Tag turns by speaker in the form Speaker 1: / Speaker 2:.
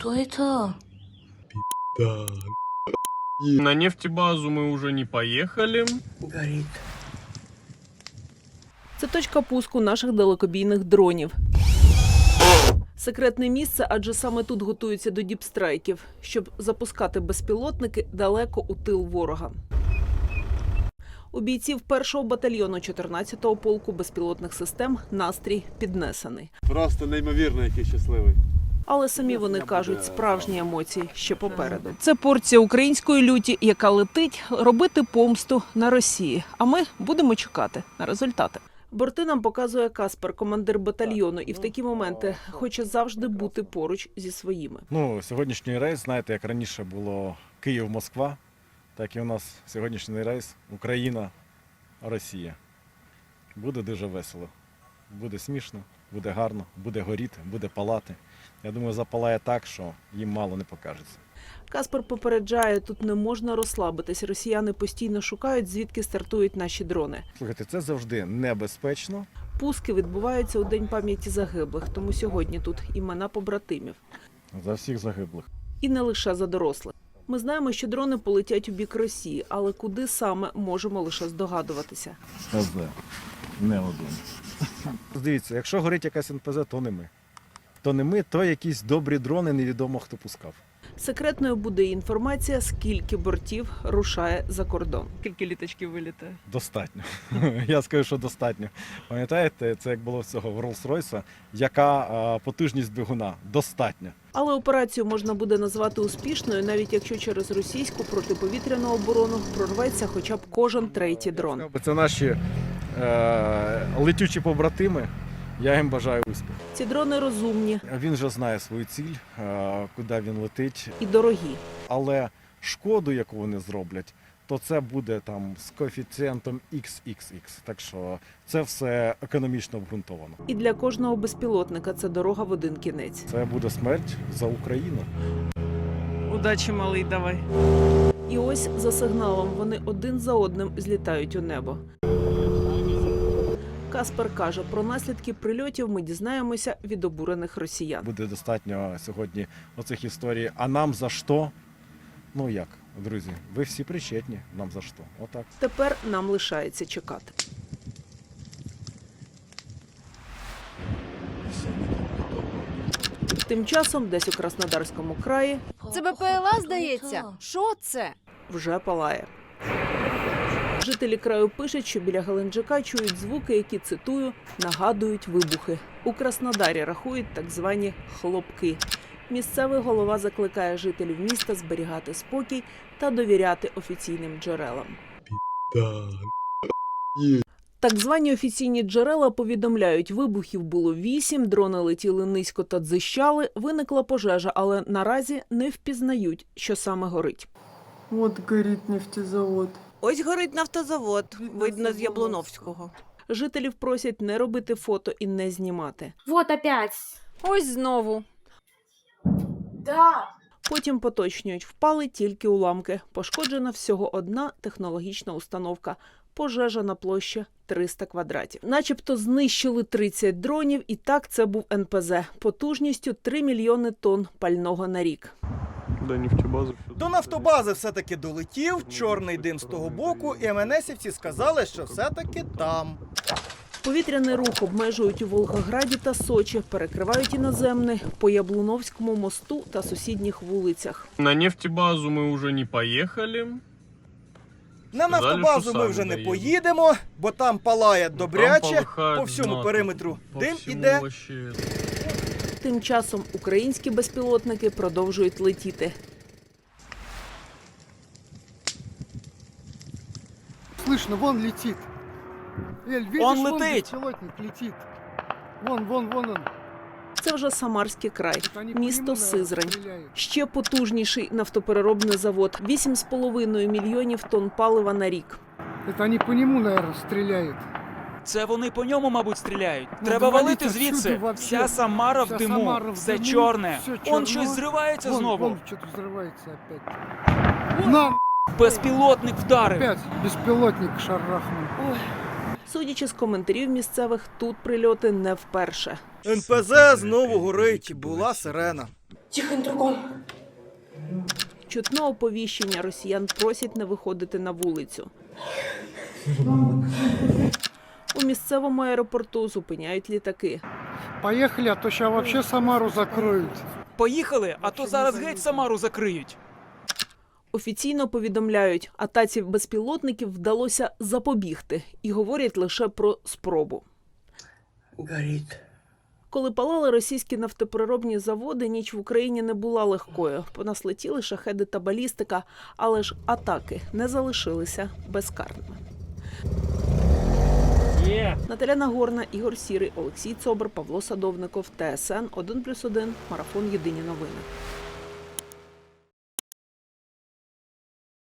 Speaker 1: Что это?
Speaker 2: Да.
Speaker 3: На нефтебазу мы уже не поехали.
Speaker 1: Горит.
Speaker 4: Це точка пуску наших далекобійних дронів. Секретне місце, адже саме тут готуються до діпстрайків, щоб запускати безпілотники далеко у тил ворога. У бійців 1-го батальйону 14-го полку безпілотних систем настрій піднесений.
Speaker 2: Просто неймовірно, який щасливий.
Speaker 4: Але самі вони кажуть, справжні емоції ще попереду. Це порція української люті, яка летить робити помсту на Росії. А ми будемо чекати на результати. Борти нам показує Каспер, командир батальйону, і в такі моменти хоче завжди бути поруч зі своїми.
Speaker 5: Сьогоднішній рейс, знаєте, як раніше було Київ-Москва, так і у нас сьогоднішній рейс Україна-Росія. Буде дуже весело, буде смішно, буде гарно, буде горіти, буде палати. Я думаю, запалає так, що їм мало не покажеться.
Speaker 4: Каспер попереджає, тут не можна розслабитись. Росіяни постійно шукають, звідки стартують наші дрони.
Speaker 5: Слухайте, це завжди небезпечно.
Speaker 4: Пуски відбуваються у День пам'яті загиблих, тому сьогодні тут імена побратимів.
Speaker 5: За всіх загиблих.
Speaker 4: І не лише за дорослих. Ми знаємо, що дрони полетять у бік Росії, але куди саме, можемо лише здогадуватися.
Speaker 5: НПЗ. Не один. Дивіться, якщо горить якась НПЗ, то не ми. То не ми, то якісь добрі дрони, невідомо хто пускав.
Speaker 4: Секретною буде інформація, скільки бортів рушає за кордон. Скільки літачків вилітає?
Speaker 5: Достатньо. Я скажу, що достатньо. Пам'ятаєте, це як було в цього в Роллс-Ройса, яка потужність двигуна? Достатньо.
Speaker 4: Але операцію можна буде назвати успішною, навіть якщо через російську протиповітряну оборону прорветься хоча б кожен третій дрон.
Speaker 5: Це наші летючі побратими. Я їм бажаю успіху.
Speaker 4: Ці дрони розумні
Speaker 5: Він вже знає свою ціль, куди він летить.
Speaker 4: і дорогі.
Speaker 5: Але шкоду, яку вони зроблять, то це буде там з коефіцієнтом XXX. Так що це все економічно обґрунтовано.
Speaker 4: І для кожного безпілотника це дорога в один кінець.
Speaker 5: Це буде смерть за Україну.
Speaker 4: Удачі, малий, давай. І ось за сигналом вони один за одним злітають у небо. Каспер каже, про наслідки прильотів ми дізнаємося від обурених росіян.
Speaker 5: Буде достатньо сьогодні оцих історій. А нам за що? Ну як, друзі, ви всі причетні. Нам за що? Отак.
Speaker 4: Тепер нам лишається чекати. Тим часом десь у Краснодарському краї
Speaker 6: Це БПЛА, здається? Що це?
Speaker 4: вже палає. Жителі краю пишуть, що біля Геленджика чують звуки, які, цитую, нагадують вибухи. У Краснодарі рахують так звані «хлопки». Місцевий голова закликає жителів міста зберігати спокій та довіряти офіційним джерелам.
Speaker 2: Да.
Speaker 4: Так звані офіційні джерела повідомляють, вибухів було 8, дрони летіли низько та дзищали, виникла пожежа, але наразі не впізнають, що саме горить.
Speaker 7: От горить нефтезавод.
Speaker 8: Ось горить нафтозавод, видно з Яблуновського.
Speaker 4: Жителів просять не робити фото і не знімати.
Speaker 6: Вот опять.
Speaker 4: Ось знову.
Speaker 6: Да.
Speaker 4: Потім поточнюють, впали тільки уламки. Пошкоджена всього одна технологічна установка. Пожежа на площі 300 квадратів. Начебто знищили 30 дронів, і так це був НПЗ. Потужністю 3 мільйони тонн пального на рік.
Speaker 3: До нефтебазы.
Speaker 9: До нафтобази все-таки долетів, чорний дим з того боку, і МНСівці сказали, що все-таки там.
Speaker 4: Повітряний рух обмежують у Волгограді та Сочі, перекривають і наземний по Яблуновському мосту та сусідніх вулицях.
Speaker 3: На нефтебазу мы уже не поехали.
Speaker 9: На нафтобазу ми вже не поїдемо, бо там палає добряче, по всьому периметру дим іде.
Speaker 4: Тим часом українські безпілотники продовжують летіти.
Speaker 7: Слышно, вон летит. Эль, видишь,
Speaker 9: Он
Speaker 7: вон
Speaker 9: летит.
Speaker 7: беспилотник летит. Вон он.
Speaker 4: Це вже Самарський край,
Speaker 7: Это они по
Speaker 4: місто
Speaker 7: нему, наверное,
Speaker 4: Сизрань.
Speaker 7: стреляют.
Speaker 4: Ще потужніший нафтопереробний завод. 8,5 мільйонів тонн палива на рік.
Speaker 7: Это они по нему, наверное, стреляют.
Speaker 10: Це вони по ньому, мабуть, стріляють.
Speaker 7: Ну,
Speaker 10: Треба
Speaker 7: валіть
Speaker 10: валити
Speaker 7: отсюди
Speaker 10: звідси.
Speaker 7: вообще.
Speaker 10: Вся Самара в
Speaker 7: Вся
Speaker 10: диму,
Speaker 7: Самара в
Speaker 10: все
Speaker 7: диму,
Speaker 10: чорне.
Speaker 7: все
Speaker 10: Он
Speaker 7: чорно.
Speaker 10: щось зривається
Speaker 7: Вон,
Speaker 10: знову.
Speaker 7: вон что-то взрывается опять. На,
Speaker 10: Безпілотник вдарив.
Speaker 7: опять беспилотник шарахнул.
Speaker 4: Судячи з коментарів місцевих, тут прильоти не вперше.
Speaker 9: НПЗ знову горить, була сирена.
Speaker 4: Чутно оповіщення, росіян просять не виходити на вулицю. У місцевому аеропорту зупиняють літаки.
Speaker 7: Поехали, а то сейчас вообще Самару закроют.
Speaker 10: Поїхали, а то зараз геть Самару закриють.
Speaker 4: Офіційно повідомляють, атаці безпілотників вдалося запобігти і говорять лише про спробу. Коли палали російські нафтопереробні заводи, ніч в Україні не була легкою. По нас летіли шахеди та балістика, але ж атаки не залишилися безкарними. Наталя Нагорна, Ігор Сірий, Олексій Цобр, Павло Садовников, ТСН 1+1, Марафон. Єдині новини.